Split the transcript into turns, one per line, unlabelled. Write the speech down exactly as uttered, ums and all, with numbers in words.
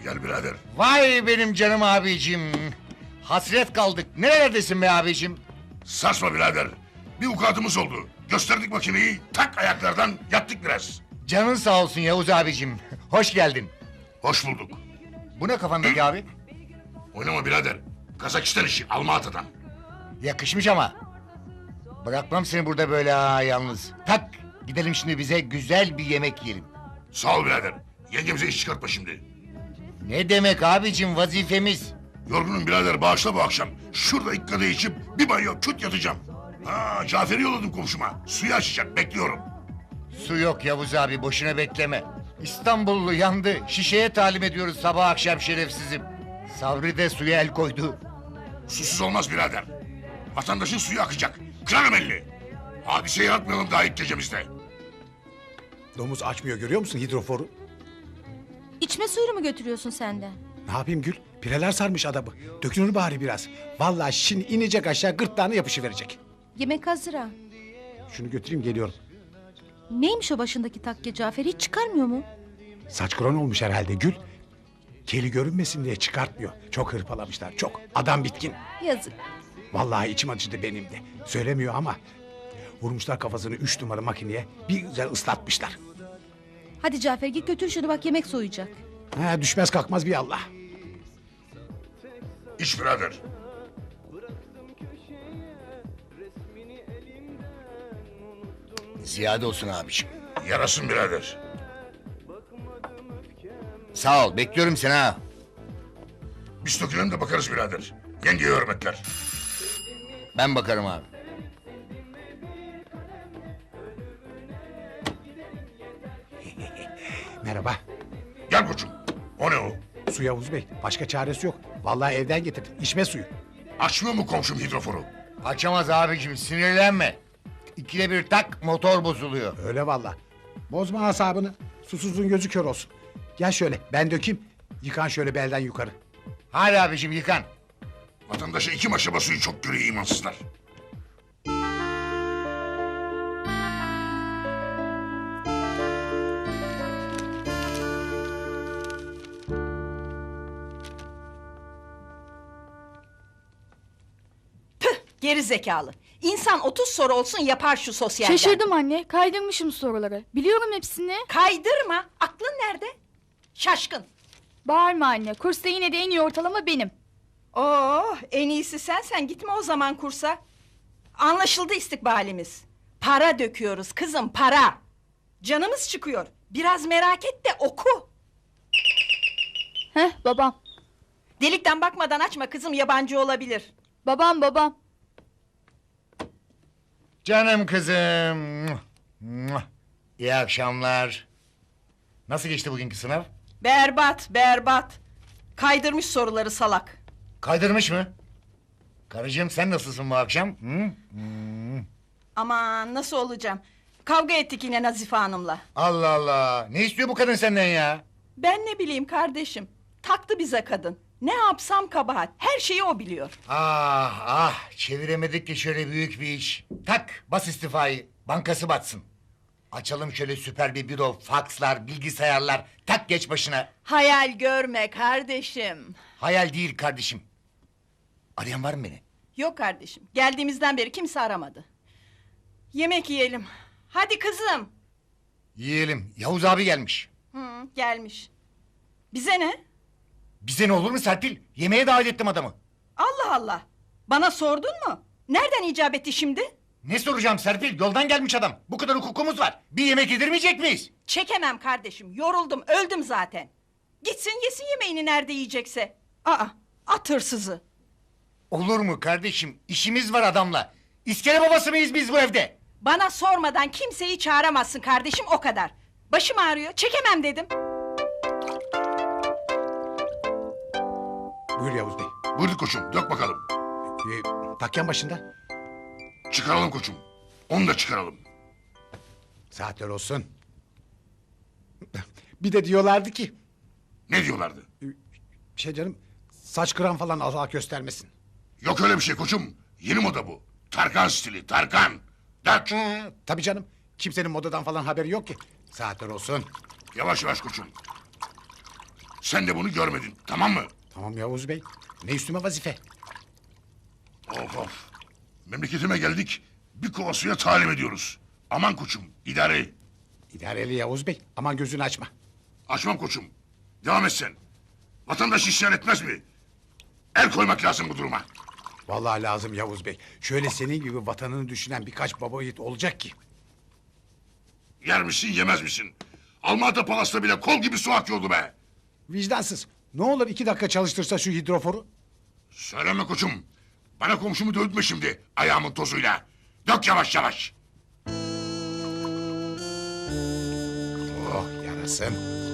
Gel birader.
Vay benim canım abicim. Hasret kaldık. Nerelerdesin be abicim?
Sarsma birader. Bir vukuatımız oldu. Gösterdik makineyi, tak ayaklardan yattık biraz.
Canın sağ olsun Yavuz abicim. Hoş geldin.
Hoş bulduk.
Bu ne kafandaki abi?
Oynama birader. Kazakistan işi, Almatı'dan.
Yakışmış ama. Bırakmam seni burada böyle ha yalnız. Tak gidelim şimdi bize güzel bir yemek yiyelim.
Sağ ol birader. Yengemize iş çıkartma şimdi.
Ne demek abicim vazifemiz.
Yorgunum birader, bağışla bu akşam. Şurada ilk kadeh içip bir banyo küt yatacağım. Ha, Cafer'i yolladım komşuma. Suyu açacak, bekliyorum.
Su yok Yavuz abi boşuna bekleme. İstanbullu yandı. Şişeye talim ediyoruz sabah akşam şerefsizim. Sabri de suya el koydu.
Susuz olmaz birader. Vatandaşın suyu akacak. Kırarım elini. Hadise yaratmayalım daha ilk gecemizde.
Domuz açmıyor görüyor musun hidroforu?
İçme suyunu mu götürüyorsun sen de?
Ne yapayım Gül? Pireler sarmış adamı. Dökünür bari biraz. Vallahi şimdi inecek aşağı gırtlağına yapışıverecek.
Yemek hazır ha.
Şunu götüreyim geliyorum.
Neymiş o başındaki takke Cafer, hiç çıkarmıyor mu?
Saç kron olmuş herhalde Gül. Keli görünmesin diye çıkartmıyor. Çok hırpalamışlar çok. Adam bitkin.
Yazık.
Vallahi içim acıdı benim de. Söylemiyor ama. Vurmuşlar kafasını üç numara makineye. Bir güzel ıslatmışlar.
Hadi Cafer git götür şunu, bak yemek soğuyacak.
Ha, düşmez kalkmaz bir Allah.
İç birader.
Ziyade olsun abicim.
Yarasın birader.
Sağ ol bekliyorum seni ha.
Biz dökülelim de bakarız birader. Yengeye hürmetler.
Ben bakarım abi.
Merhaba.
Gel koçum. O ne o?
Su Yavuz Bey. Başka çaresi yok. Vallahi evden getirdim. İçme suyu.
Açmıyor mu komşum hidroforu?
Açamaz abicim sinirlenme. İkide bir tak motor bozuluyor.
Öyle vallahi. Bozma asabını. Susuzluğun gözü kör olsun. Gel şöyle ben dökeyim. Yıkan şöyle belden yukarı.
Hadi abicim yıkan.
Vatandaşa iki maşa suyu çok görüyor imansızlar.
Geri zekalı. İnsan otuz soru olsun yapar şu sosyalden.
Şaşırdım anne. Kaydırmışım soruları. Biliyorum hepsini.
Kaydırma. Aklın nerede? Şaşkın.
Bağırma anne. Kursta yine de en iyi ortalama benim.
Oo, en iyisi sen sen gitme o zaman kursa. Anlaşıldı istikbalimiz. Para döküyoruz kızım, para. Canımız çıkıyor. Biraz merak et de oku.
Heh babam.
Delikten bakmadan açma kızım, yabancı olabilir.
Babam babam.
Canım kızım. İyi akşamlar. Nasıl geçti bugünkü sınav?
Berbat, berbat. Kaydırmış soruları salak.
Kaydırmış mı? Karıcığım sen nasılsın bu akşam? Hı?
Aman nasıl olacağım? Kavga ettik yine Nazife Hanım'la.
Allah Allah. Ne istiyor bu kadın senden ya?
Ben ne bileyim kardeşim. Taktı bize kadın. Ne yapsam kabahat. Her şeyi o biliyor.
Ah ah çeviremedik ki şöyle büyük bir iş. Tak bas istifayı. Bankası batsın. Açalım şöyle süper bir büro, fakslar, bilgisayarlar. Tak geç başına.
Hayal görme kardeşim.
Hayal değil kardeşim. Arayan var mı beni?
Yok kardeşim. Geldiğimizden beri kimse aramadı. Yemek yiyelim. Hadi kızım.
Yiyelim. Yavuz abi gelmiş.
Hı, gelmiş. Bize ne?
Bize ne olur mu Serpil? Yemeğe davet ettim adamı.
Allah Allah. Bana sordun mu? Nereden icap etti şimdi?
Ne soracağım Serpil? Yoldan gelmiş adam. Bu kadar hukukumuz var. Bir yemek yedirmeyecek miyiz?
Çekemem kardeşim. Yoruldum, öldüm zaten. Gitsin yesin yemeğini nerede yiyecekse. Aa, at hırsızı.
Olur mu kardeşim? İşimiz var adamla. İskele babası mıyız biz bu evde?
Bana sormadan kimseyi çağıramazsın kardeşim, o kadar. Başım ağrıyor, çekemem dedim.
Buyur Yavuz Bey.
Buyur koçum, dök bakalım.
Ee, takyan başında.
Çıkaralım koçum. Onu da çıkaralım.
Saatler olsun. Bir de diyorlardı ki...
Ne diyorlardı?
Şey canım... Saç kıran falan Allah göstermesin.
Yok öyle bir şey koçum. Yeni moda bu. Tarkan stili, Tarkan. Dök.
Hı, tabii canım. Kimsenin modadan falan haberi yok ki. Saatler olsun.
Yavaş yavaş koçum. Sen de bunu görmedin, tamam mı?
Tamam Yavuz Bey. Ne üstüme vazife?
Of of. Memleketime geldik. Bir kova suya talim ediyoruz. Aman koçum, idare et.
İdareli Yavuz Bey. Aman gözünü açma.
Açmam koçum. Devam et sen. Vatandaş isyan etmez mi? El koymak lazım bu duruma.
Vallahi lazım Yavuz Bey. Şöyle senin gibi vatanını düşünen birkaç baba yiğit olacak ki.
Yer misin yemez misin? Almanya Palas'ta bile kol gibi su akıyordu be.
Vicdansız. Ne olur iki dakika çalıştırsa şu hidroforu.
Söyleme koçum. Bana komşumu dövdürme şimdi ayağımın tozuyla. Dök yavaş yavaş.
Oh yarasın.